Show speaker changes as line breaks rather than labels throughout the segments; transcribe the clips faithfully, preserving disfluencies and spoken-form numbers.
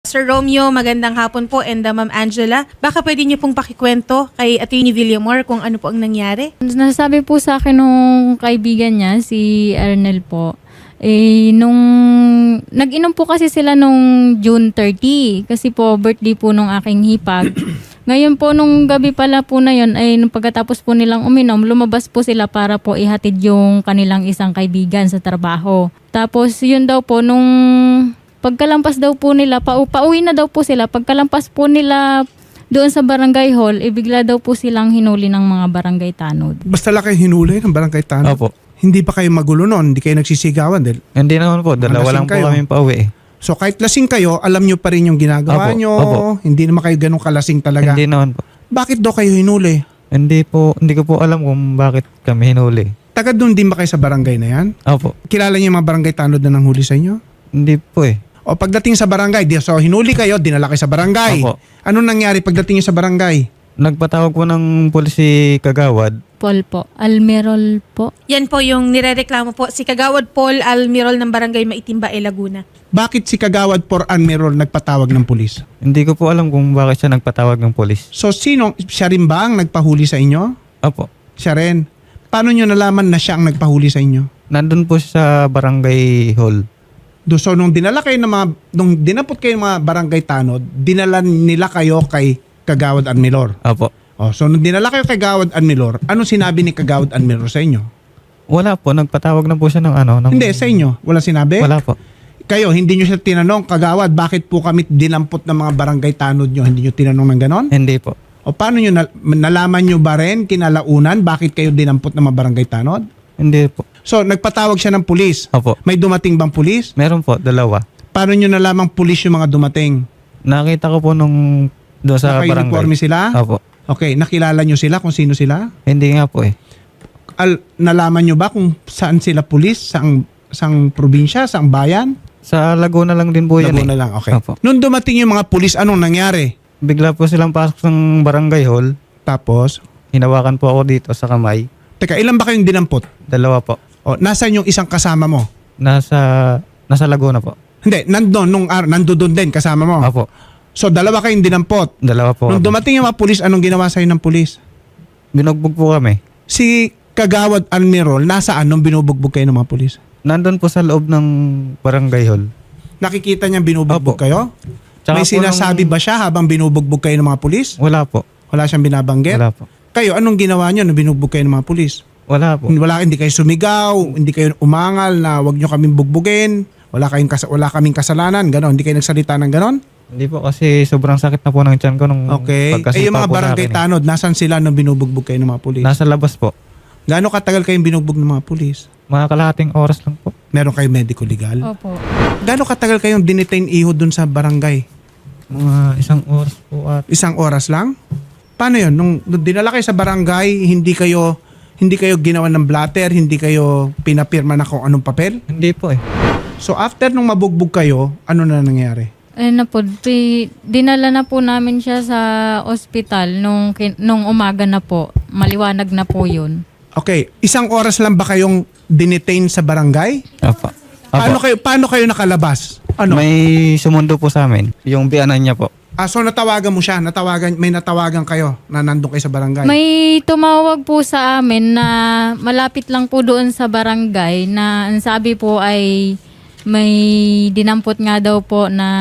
Sir Romeo, magandang hapon po, and uh, Ma'am Angela. Baka pwede niyo pong pakikwento kay Attorney Villamor kung ano po ang nangyari?
Nasabi po sa akin nung kaibigan niya, si Arnel po, eh, nung nag-inom po kasi sila nung June thirtieth kasi po birthday po nung aking hipag. Ngayon po nung gabi pala po na yun, ay nung pagkatapos po nilang uminom, lumabas po sila para po ihatid yung kanilang isang kaibigan sa trabaho. Tapos yun daw po nung pagkalampas daw po nila, pa pauwi na daw po sila, pagkalampas po nila doon sa barangay hall, ibigla daw po silang hinuli ng mga barangay tanod.
Basta lang kayo hinuli ng barangay tanod?
Opo.
Hindi pa kayo magulo noon? Hindi kayo nagsisigawan? Dahil
Hindi naman po. Dalawa lang po
kayo.
kami pauwi eh.
So kahit lasing kayo, alam nyo pa rin yung ginagawa
Opo,
nyo?
opo.
Hindi naman kayo ganun kalasing talaga?
Hindi naman po.
Bakit daw kayo hinuli?
Hindi po, hindi ko po alam kung bakit kami hinuli.
Taga doon din ba kayo sa barangay na yan?
Opo.
Kilala niyo yung mga barangay tanod na nanghuli sa inyo?
Hindi po eh.
O pagdating sa barangay, di- so hinuli kayo, dinala kayo sa barangay.
Opo.
Anong nangyari pagdating niyo sa barangay?
Nagpatawag po ng pulis si Kagawad.
Paul po, Almerol po.
Yan po yung nirereklamo po, si Kagawad Paul Almirol ng Barangay Maitimba, E. Laguna.
Bakit si Kagawad por Admiral nagpatawag ng pulis?
Hindi ko po alam kung bakit siya nagpatawag ng pulis.
So sino, siya rin ba ang nagpahuli sa inyo?
Opo.
Siya rin. Paano nyo nalaman na siya ang nagpahuli sa inyo?
Nandun po siya sa barangay hall.
Do, so nung dinala kayo ng mga, nung dinapot kayo ng mga barangay tanod, dinala nila kayo kay Kagawad Admiral.
Opo.
Oh, so nung dinala kayo kay Kagawad Admiral, anong sinabi ni Kagawad Admiral sa inyo?
Wala po. Nagpatawag na po siya ng ano. Ng,
Hindi, sa inyo. Wala sinabi?
Wala po.
Kayo, hindi nyo siya tinanong, Kagawad, bakit po kami dinampot ng mga barangay tanod nyo? Hindi nyo tinanong ng ganon?
Hindi po.
O paano nyo, nal- nalaman nyo ba rin, kinalaunan, bakit kayo dinampot ng mga barangay tanod?
Hindi po.
So, nagpatawag siya ng pulis.
Opo.
May dumating bang pulis?
Meron po. Dalawa.
Paano nyo nalamang pulis yung mga dumating?
Nakita ko po nung doon sa
Naka-uniforme
barangay.
sila?
Opo.
Okay, nakilala nyo sila kung sino sila?
Hindi nga po eh.
Al- nalaman nyo ba kung saan sila pulis? Saang, saang probinsya? Saang bayan?
Sa Laguna lang din po yan
Laguna
eh.
lang, okay.
Opo.
Nung dumating yung mga pulis, anong nangyari?
Bigla po silang pasok ng barangay hall.
Tapos,
Hinawakan po ako dito sa kamay.
teka, ilan ba kayong dinampot?
Dalawa po.
O, nasaan yung isang kasama mo?
Nasa nasa Laguna po.
Hindi, nandun, nung ar- nandoon din kasama mo.
Opo.
So, dalawa kayong dinampot.
Dalawa po.
Nung
kami.
dumating yung mga pulis, anong ginawa sa'yo ng pulis?
Binugbog po kami.
Si Kagawad Admiral, nasaan nung binubugbog kayo ng mga pulis?
Nandun po sa loob ng barangay hall.
Nakikita niya binubugbog
Opo.
kayo?
Tsaka
May
po
sinasabi
nung-
ba siya habang binubugbog kayo ng mga pulis?
Wala po.
Wala siyang binabanggit?
Wala po.
Kayo, anong ginawa niyo nung binugbog kayo ng mga pulis?
Wala po.
Wala, hindi kayo sumigaw, hindi kayo umangal na wag niyo kaming bugbugin, wala, kayong kas- wala kaming kasalanan, gano'n. Hindi kayo nagsalita ng gano'n?
Hindi po kasi sobrang sakit na po ng tiyan ko nung
Okay.
pagkasipa
Eh, yung mga
po sa
barangay
akin eh.
tanod, nasan sila nung binubugbog kayo ng mga pulis?
Nasa labas po.
Gaano katagal kayong binugbog ng mga pulis?
Mga kalahating oras lang po.
Meron kayo medico legal?
Opo.
Gaano katagal kayong dinetain iho dun sa barangay?
Mga isang oras po at
Isang oras lang? Paano yun? Nung, nung dinala kayo sa barangay, hindi kayo hindi kayo ginawa ng blatter, hindi kayo pinapirma na kung anong papel?
hindi po eh.
So after nung mabugbog kayo, ano na nangyari?
Ayun na po, di- dinala na po namin siya sa ospital nung, kin- nung umaga na po. Maliwanag na po yun.
Okay, isang oras lang ba kayong dinetain sa barangay?
Opo. Opo.
Paano kayo paano kayo nakalabas? Ano?
May sumundo po sa amin. Yung biyanan niya po.
Ah, so natawagan mo siya, natawagan may natawagan kayo na nandun kayo sa barangay.
May tumawag po sa amin na malapit lang po doon sa barangay na ang sabi po ay may dinampot nga daw po na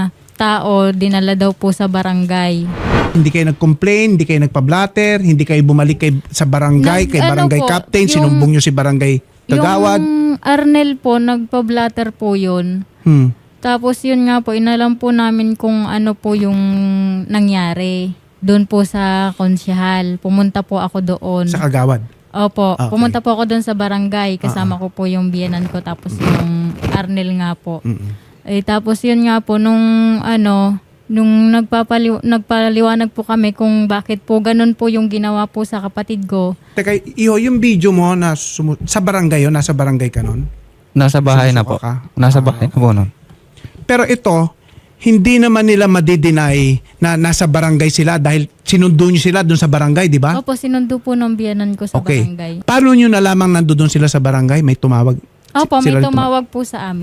tao, dinala daw po sa barangay.
Hindi kayo nag-complain, hindi kayo nagpa-blatter, hindi kayo bumalik kay sa barangay,
Nag-
kay
ano
barangay
po,
captain,
yung-
sinumbong nyo si barangay Kagawad.
Yung Arnel po, nagpa-blatter po yun.
Hmm.
Tapos yun nga po, inalam po namin kung ano po yung nangyari. Doon po sa konsyahal. Pumunta po ako doon.
Sa Kagawad.
Opo,
Okay.
pumunta po ako doon sa barangay. Kasama ko po yung biyenan ko. Tapos yung Arnel nga po.
Mm-mm.
Eh, tapos yun nga po, nung ano, nung nagpapali- nagpaliwanag po kami kung bakit po ganun po yung ginawa po sa kapatid ko.
Teka, iho, yung video mo na sumu- sa barangay yun, nasa barangay ka nun?
Nasa bahay na po.
Sumusuka ka?
Nasa
Ah.
bahay na po nun.
Pero ito, hindi naman nila madideny na nasa barangay sila dahil sinundo nyo sila doon sa barangay, di ba?
Opo, sinundo po ng biyenan ko sa
Okay.
barangay.
Paano nyo nalamang nandoon sila sa barangay? May tumawag?
Opo, may
Sila rin
tumawag po sa amin.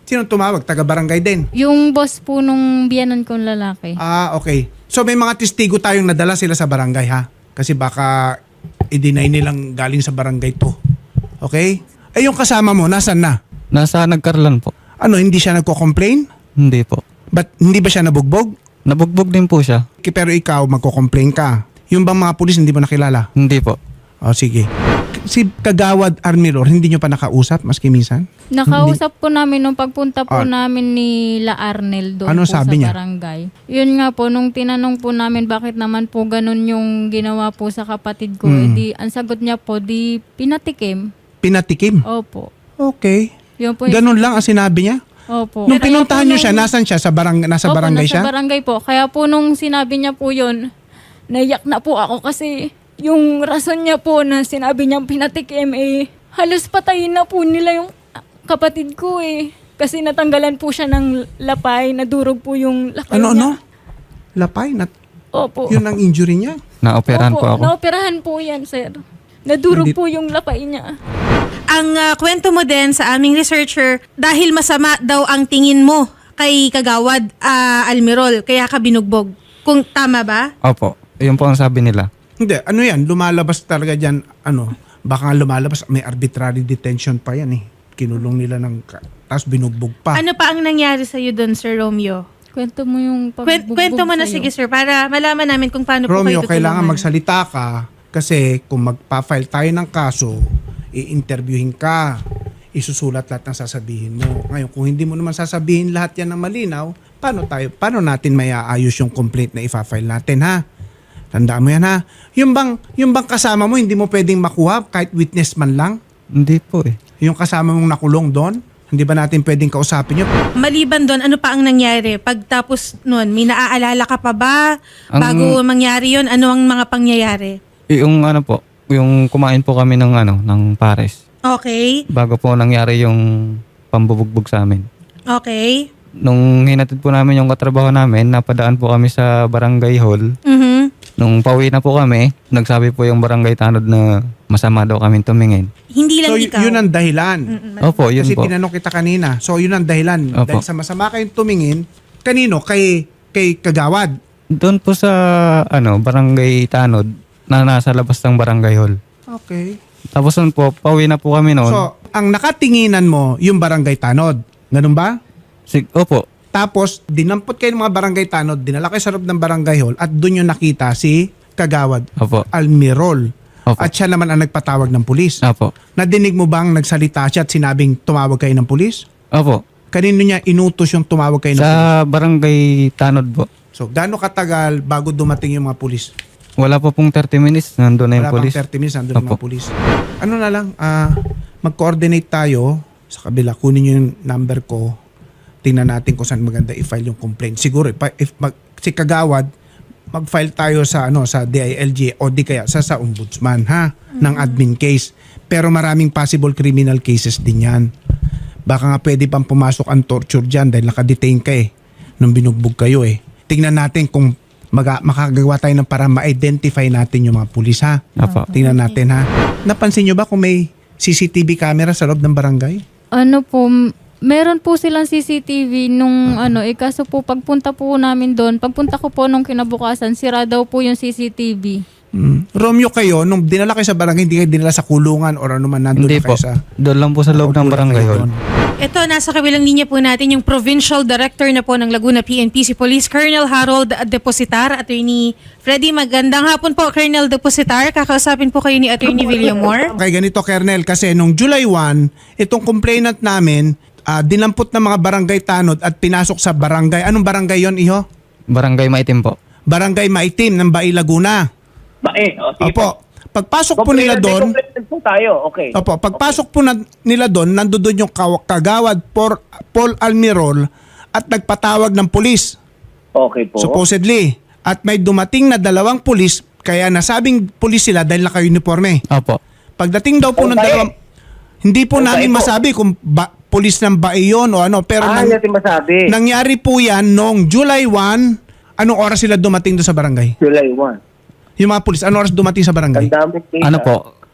Sino tumawag? Taga-barangay din?
Yung boss po nung biyanan kong lalaki.
Ah, okay. So may mga testigo tayong nadala sila sa barangay ha? Kasi baka i-deny nilang galing sa barangay to. Okay? Eh yung kasama mo, nasan na?
Nasa Nagkarlan po.
Ano, hindi siya nagko-complain?
Hindi po.
But hindi ba siya nabugbog?
Nabugbog din po siya.
Ki- Pero ikaw, magko-complain ka. Yung bang mga pulis hindi mo nakilala?
Hindi po.
O sige. Si Kagawad Armilor, hindi nyo pa nakausap maski minsan?
Nakausap po namin nung pagpunta po
Ah.
namin ni La Arnel doon
Ano
po
sabi
sa
niya?
barangay. Yun nga po, nung tinanong po namin bakit naman po ganun yung ginawa po sa kapatid ko,
Hmm.
edi, ang sagot niya po, di pinatikim.
Pinatikim?
Opo.
Okay.
Yun po yung-
Ganun lang ang sinabi niya?
Opo.
Nung
Kaya
pinuntahan
po
nyo
nung-
siya, nasan siya? Sa barang, nasa
Opo,
barangay
nasa
siya?
barangay po. Kaya po nung sinabi niya po yun, naiyak na po ako kasi yung rason niya po na sinabi niyang pinatikim eh, halos patayin na po nila yung kapatid ko eh. Kasi natanggalan po siya ng lapay, nadurog po yung lapay
Ano, ano?
niya.
Lapay? Nat-
Opo.
yun ang injury niya?
Naoperahan
Opo,
po ako.
naoperahan po yan, sir. Nadurog
Hindi-
po yung lapay niya.
Ang ah, kwento mo din sa aming researcher, dahil masama daw ang tingin mo kay Kagawad ah, Almirol, kaya ka binugbog. Kung tama ba?
Opo. Yun po ang sabi nila.
Hindi, ano yan? Lumalabas talaga dyan, ano, baka nga lumalabas, may arbitrary detention pa yan eh. Kinulong nila ng, ka- tapos binugbog pa.
Ano pa ang nangyari sa'yo doon, Sir Romeo?
Kwento mo yung
Kwen-
pagbugbog
kwento mo na
sa'yo.
sige, sir, para malaman namin kung paano po
Romeo,
kayo tutulungan.
kailangan magsalita ka kasi kung magpa-file tayo ng kaso, i-interviewin ka, isusulat lahat ng sasabihin mo. Ngayon, kung hindi mo naman sasabihin lahat yan ng malinaw, paano tayo, paano natin may aayos yung complaint na ifa-file natin, ha? Tandaan mo yan, ha? Yung bang, yung bang kasama mo, hindi mo pwedeng makuha kahit witness man lang?
Hindi po eh.
Yung kasama mong nakulong doon, hindi ba natin pwedeng kausapin yun?
Maliban doon, ano pa ang nangyari? Pagtapos noon, may naaalala ka pa ba?
Ang-
Bago mangyari yon, ano ang mga pangyayari?
Yung ano po, yung kumain po kami ng ano, ng pares.
Okay,
Bago po nangyari yung pambubugbog sa amin.
okay.
Nung hinatid po namin yung katrabaho namin, napadaan po kami sa barangay hall.
Mhm.
Nung pauwi na po kami, nagsabi po yung barangay tanod na masama daw kami tumingin.
Hindi lang
So, y-
ikaw.
yun ang dahilan.
Mm-mm.
Opo, yun
Kasi
po.
tinanong kita kanina. So, yun ang dahilan.
Opo.
Dahil sa masama kayong tumingin, kanino? Kay, kay Kagawad.
Doon po sa ano, barangay tanod na nasa labas ng barangay hall.
Okay.
Tapos nun po, pauwi na po kami noon.
So, ang nakatinginan mo, yung barangay Tanod. Ganun ba?
Sig- Opo,
Tapos, dinampot kayo ng mga barangay Tanod, dinala kayo sa loob ng barangay hall, at doon yung nakita si Kagawad
opo,
Almirol.
opo,
At siya naman ang nagpatawag ng pulis.
opo,
Nadinig mo bang nagsalita siya at sinabing tumawag kayo ng pulis?
opo.
Kanino niya inutos yung tumawag kayo ng pulis?
Sa barangay tanod po.
So, gaano katagal bago dumating yung mga pulis?
Wala po pong thirty minutes, nandun na yung
Wala pang
polis.
thirty minutes, nandun yung mga
Opo.
pulis. Ano na lang, ah, mag-coordinate tayo sa kabila. Kunin nyo yung number ko. Tingnan natin kung saan maganda i-file yung complaint. Siguro, if, if mag, si Kagawad, mag-file tayo sa ano sa D I L G o di kaya sa sa ombudsman, ha? Ng admin case. Pero maraming possible criminal cases din yan. Baka nga pwede pang pumasok ang torture dyan dahil nakadetain ka eh. Nung binugbog kayo eh. Tingnan natin kung maga, makagawa tayo ng para ma-identify natin yung mga pulis, ha?
Opo.
Tingnan natin, ha? Napansin nyo ba kung may C C T V camera sa loob ng barangay?
Ano po, m- meron po silang C C T V nung ano, eh kaso po pagpunta po namin doon, pagpunta ko po nung kinabukasan, sira daw po yung C C T V.
Hmm. Romeo, kayo, nung dinala kayo sa barangay, hindi kayo dinala sa kulungan or ano man, nandun
Hindi
na kayo
po.
sa...
Doon lang po sa loob ng
Doon
barangay
kayo
hall.
doon.
Ito, nasa kabilang linya po natin yung Provincial Director na po ng Laguna P N P, si Police Colonel Harold Depositar. Attorney Freddy, magandang hapon po, Colonel Depositar. Kakausapin po kayo ni Attorney Villamor.
Okay, ganito, Kernel, kasi nung July first, itong complainant namin, ah, dinampot ng mga barangay tanod at pinasok sa barangay. Anong barangay yon, Iho?
Barangay Maitim po.
Barangay Maitim ng Bai, Laguna.
Bae, o sige po.
Opo. Pagpasok po nila doon,
Complainant po tayo, okay.
opo, pagpasok po na, nila doon, nandoon yung kaw- Kagawad por, Paul Almirol at nagpatawag ng pulis,
Okay po.
supposedly. At may dumating na dalawang pulis, kaya nasabing pulis sila dahil naka-uniforme.
Opo.
Pagdating daw po ng
Okay.
dalawang, hindi po
Okay
namin
po.
masabi kung ba, pulis ng Bai yun o ano, pero
ah,
nang-
natin masabi.
nangyari po yan noong July first. Anong oras sila dumating doon sa barangay?
July first.
Yung mga pulis, anong oras dumating sa barangay?
Ang dami case.
Ano
ah.
po?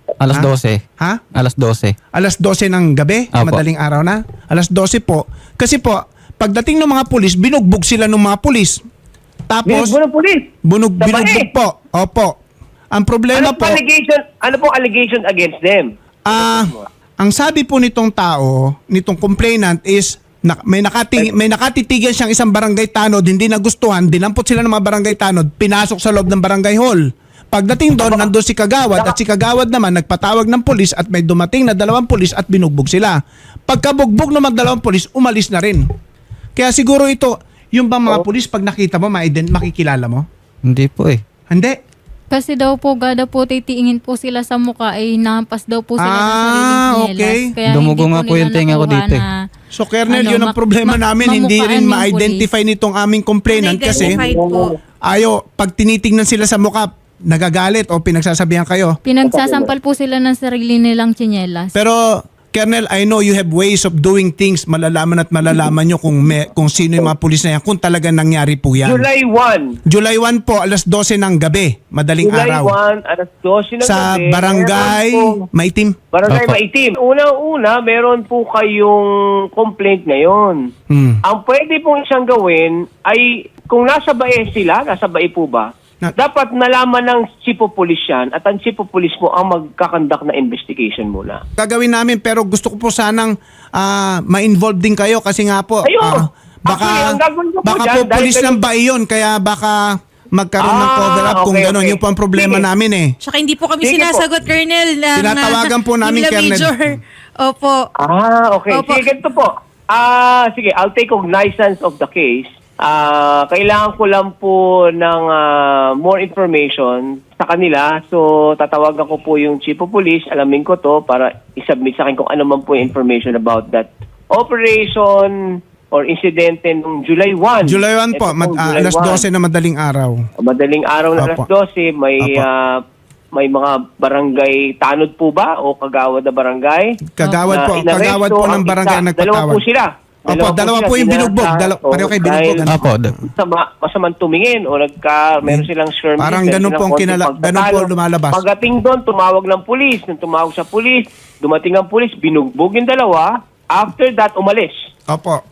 Alas
Ha?
dose.
Ha?
Alas dose.
Alas dose ng gabi,
Apo.
madaling araw na. Alas dose po. Kasi po, pagdating ng mga pulis, binugbog sila ng mga pulis. Tapos,
Binugbog ng pulis.
bunog,
Sa
binugbog
bae.
po. Opo. Ang problema
Ano
po,
po allegation? Ano po allegation against them?
ah, ang sabi po nitong tao, nitong complainant is, na, may, nakating, may nakatitigan siyang isang barangay tanod, hindi nagustuhan, dinampot sila ng mga barangay tanod, pinasok sa loob ng barangay hall. Pagdating doon, nandun si Kagawad at si Kagawad naman nagpatawag ng pulis at may dumating na dalawang pulis at binugbog sila. Pagkabugbog ng mga dalawang pulis, umalis na rin. Kaya siguro ito, yung bang mga pulis pag nakita mo, maiden, makikilala mo?
Hindi po eh.
Hindi.
Kasi daw po, gada po titingin po sila sa mukha ay nahampas daw po sila
Ah,
ng sariling tsinelas.
okay.
Kaya
Dumugo
hindi
nga po
nila
yung tenga ko
nakuha
dito eh.
na-
So, Colonel,
Ano,
yun ang
ma-
problema
ma-
namin. Hindi
mamukhaan
rin
yung
ma-identify nitong aming complainant kasi
Unidentified po.
ayo, pag tinitingnan sila sa mukha, nagagalit o pinagsasabihan kayo.
Pinagsasampal po sila ng sarili nilang tsinelas.
Pero, Colonel, I know you have ways of doing things. Malalaman at malalaman nyo kung, may, kung sino yung mga pulis na yan, kung talagang nangyari po yan.
July first.
July first po, alas dose ng gabi, madaling
July
araw.
first, alas dose ng
Sa
gabi.
barangay
Meron po-
Maitim.
Barangay
Opo.
Maitim. Unang-una, meron po kayong complaint ngayon.
Hmm.
Ang pwede pong isang gawin ay, kung nasa bae sila, nasa bae po ba,
Na-
dapat nalaman ng chief of police yan at ang chief of police mo ang magkakandak na investigation muna.
Gagawin namin pero gusto ko po sanang ah, ma-involve din kayo kasi nga po
Ayun.
ah, baka
Actually, ang gagawin ko po
baka
dyan,
po
dahil
pulis
kayo-
ng bahay yun kaya baka magkaroon ng
Ah,
cover up kung
okay,
gano'n.
okay.
Yun po ang problema
Sige.
namin eh.
Tsaka hindi po kami
Sige po.
sinasagot, Colonel. Ng,
Tinatawagan po namin,
Manila
Colonel.
Major. Opo.
Ah, okay.
Opo.
Sige, ganito po. Ah, sige, I'll take cognizance of the case. Ah, kailangan ko lang po ng ah, more information sa kanila. So, tatawagan ko po yung chief of police. Alamin ko to para isubmit sa akin kung ano man po yung information about that operation or insidente nung July first.
July first po,
Ito
mad- ah,
July
alas
first.
dose na madaling araw.
Madaling araw na alas
Apo.
dose, may
Apo.
ah, may mga barangay tanod po ba o kagawad na barangay?
Kagawad
Na
po,
inaresto
kagawad po ng
ang
barangay
isa.
nagpatawag.
Dalawa po sila.
Opo, dalawa po yung
sila.
binugbog. Dalawa,
Dinata-
pareho kayo
o,
binugbog.
dahil
Apo. d-
Masama, masamang tumingin o nagka, meron silang skirmish.
Parang
meron
ganun po
silang
ang
konting
kinala- ganun po
pagtatalo.
lumalabas.
Pagdating doon, tumawag ng pulis. Nung tumawag sa pulis, dumating ang pulis, binugbog yung dalawa. After that, umalis.
Opo.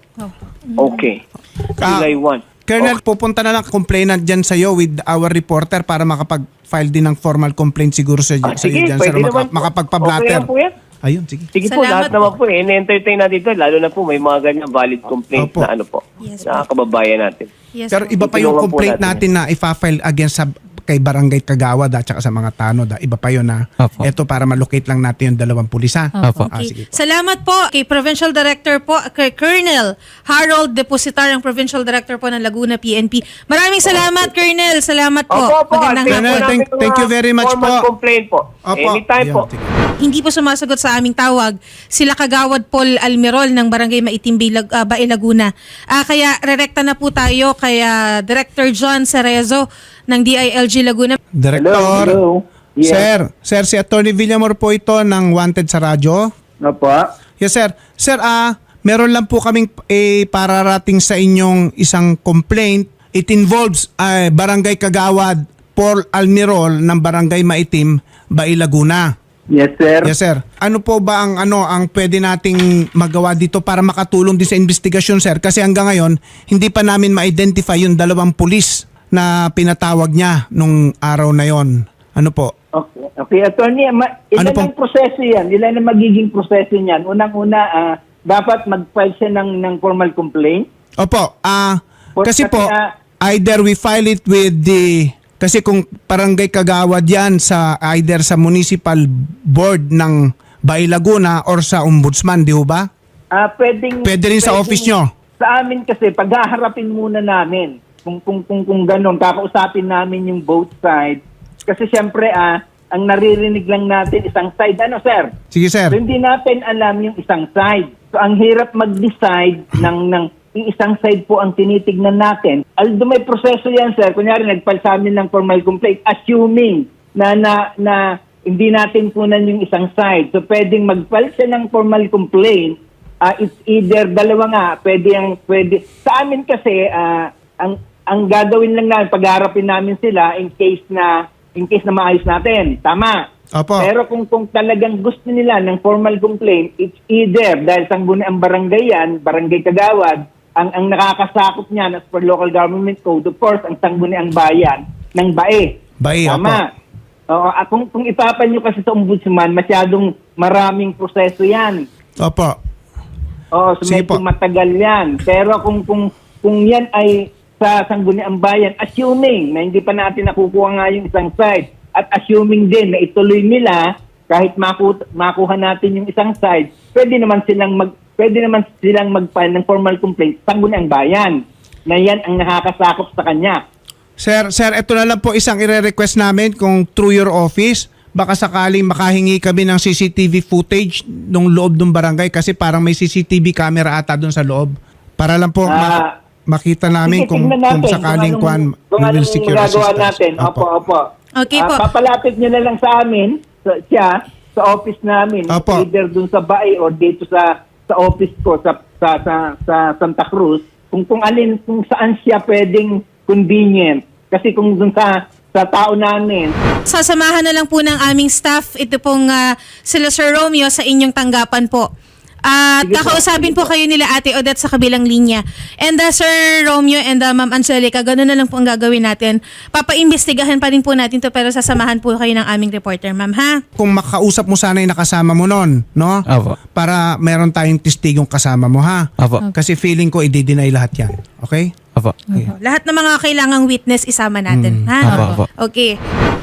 Okay.
Ah,
July first.
Colonel, pupunta na lang complainant dyan sa'yo with our reporter para makapag-file din ng formal complaint siguro sa,
Ah,
sa
sige,
iyo dyan,
pwede
sir, maka-
naman po.
makapagpa-blatter.
Okay lang po yan.
Ayun, sige.
Sige po,
Salamat
lahat naman po eh. In-entertain natin ito, lalo na po may mga ganyan valid complaints
Opo.
na ano po,
Yes,
na kababayan natin.
Yes,
Pero
po.
iba pa yung
Tutulungan po
complaint
natin
natin na ifa-file against sa kay Barangay Kagawad at saka sa mga tanod. ah. Iba pa yun na.
Opo.
Ito para malocate lang natin yung dalawang pulis ha.
Opo.
Ah,
Okay.
sige po.
Salamat po kay Provincial Director po, kay Colonel Harold Depositar, ang Provincial Director po ng Laguna P N P. Maraming salamat, Colonel. Salamat po.
Opo, opo.
Magandang
Tingnan
Colonel,
po
hapon.
thank-
namin
thank you
mga
very much
formal
po.
complaint po.
Opo.
Anytime
Ayun,
po.
sige.
Hindi po sumasagot sa aming tawag sila Kagawad Paul Almirol ng Barangay Maitim, Bilag- ah, Bae, Laguna. Ah, kaya rerekta na po tayo kay ah, Director John Cerezo ng D I L G Laguna.
Director.
Hello, hello. Yes.
Sir, sir si Attorney Villamor po ito ng Wanted sa radyo.
Opo.
Yes, sir. Sir, ah, meron lang po kaming eh, pararating sa inyong isang complaint. It involves ah, Barangay Kagawad, Paul Almirol ng Barangay Maitim, Bae, Laguna.
Yes, sir.
Yes, sir. Ano po ba ang ano ang pwede nating magawa dito para makatulong din sa investigasyon, sir? Kasi hanggang ngayon, hindi pa namin ma-identify yung dalawang pulis na pinatawag niya nung araw na yon. Ano po?
Okay, okay. Attorney, ma-
Ano
ilan
pong-
ang proseso yan? Ilan ang magiging proseso niyan? Unang-una, ah, dapat mag-file siya ng, ng formal complaint.
Opo, ah
For-
kasi
kasi,
po
ah,
either we file it with the kasi kung Barangay Kagawad yan sa either sa municipal board ng Bae, Laguna or sa ombudsman, di ho ba?
Ah, pwedeng,
Pwede rin sa office nyo.
Sa amin kasi, paghaharapin muna namin kung, kung, kung, kung ganun, kakausapin namin yung both sides. Kasi siyempre, ah, ang naririnig lang natin isang side. Ano, sir?
Sige, sir.
So, hindi natin alam yung isang side. So, ang hirap mag-decide ng, ng isang side po ang tinitignan natin. Although may proseso yan, sir. Kunyari, nagpal sa amin ng formal complaint, assuming na, na, na hindi natin punan yung isang side. So, pwedeng magpal siya ng formal complaint. Uh, it's either dalawa nga, pwede ang, pwede. Sa amin kasi, ah, ang, ang gagawin lang namin, pagharapin namin sila in case na, in case na maayos natin. Tama.
Opo.
Pero kung kung talagang gusto nila ng formal complaint, it's either dahil sangguniang barangay yan, barangay Kagawad, ang ang nakakasakop niyan as per local government code, of course, ang sangguniang bayan ng B A E.
Bae,
Tama. Oo, ah, kung, kung ipapanyo kasi sa ombudsman, masyadong maraming proseso yan.
Opo.
Oo, so
Sige
medyo
po.
matagal yan. Pero kung kung kung yan ay sa sangguniang bayan, assuming na hindi pa natin nakukuha nga yung isang side, at assuming din na ituloy nila, kahit maku- makuha natin yung isang side, pwede naman silang mag pwede naman silang mag-file ng formal complaint sa sangguniang bayan na yan ang nakakasakop sa kanya.
Sir, sir, ito na lang po isang ire-request namin kung through your office, baka sakaling makahingi kami ng C C T V footage nung loob ng barangay kasi parang may C C T V camera ata doon sa loob. Para lang po
Ah,
ma- makita namin
Sige,
kung,
tignan
kung
natin
sakaling
kung
kwan,
anong- kung
we will
anong
secure
magagawa
assistance.
natin. Opo, opo.
Okay
Ah,
po.
papalapit nyo na lang sa amin, sa, siya, sa office namin.
Opo.
Either dun sa bahay or dito sa sa office ko sa sa sa, sa Santa Cruz. Kung kung alin, kung saan siya pwedeng convenient. Kasi kung dun sa sa tao namin,
Sasamahan na lang po ng aming staff ito pong ah, sila Sir Romeo sa inyong tanggapan po. At
Sige po,
kakausapin
sige
po
po.
kayo nila Ate Odette sa kabilang linya. And uh, Sir Romeo and uh, Ma'am Angelica, gano'n na lang po ang gagawin natin. Papaimbestigahan pa rin po natin to pero sasamahan po kayo ng aming reporter, Ma'am, ha?
Kung makausap mo sana yung nakasama mo nun, no?
Opo.
Para meron tayong testigong kasama mo, ha?
Opo.
Kasi feeling ko i-deny lahat yan. Okay?
Opo.
Lahat ng mga kailangang witness isama natin,
Mm.
ha?
Opo, opo.
Okay.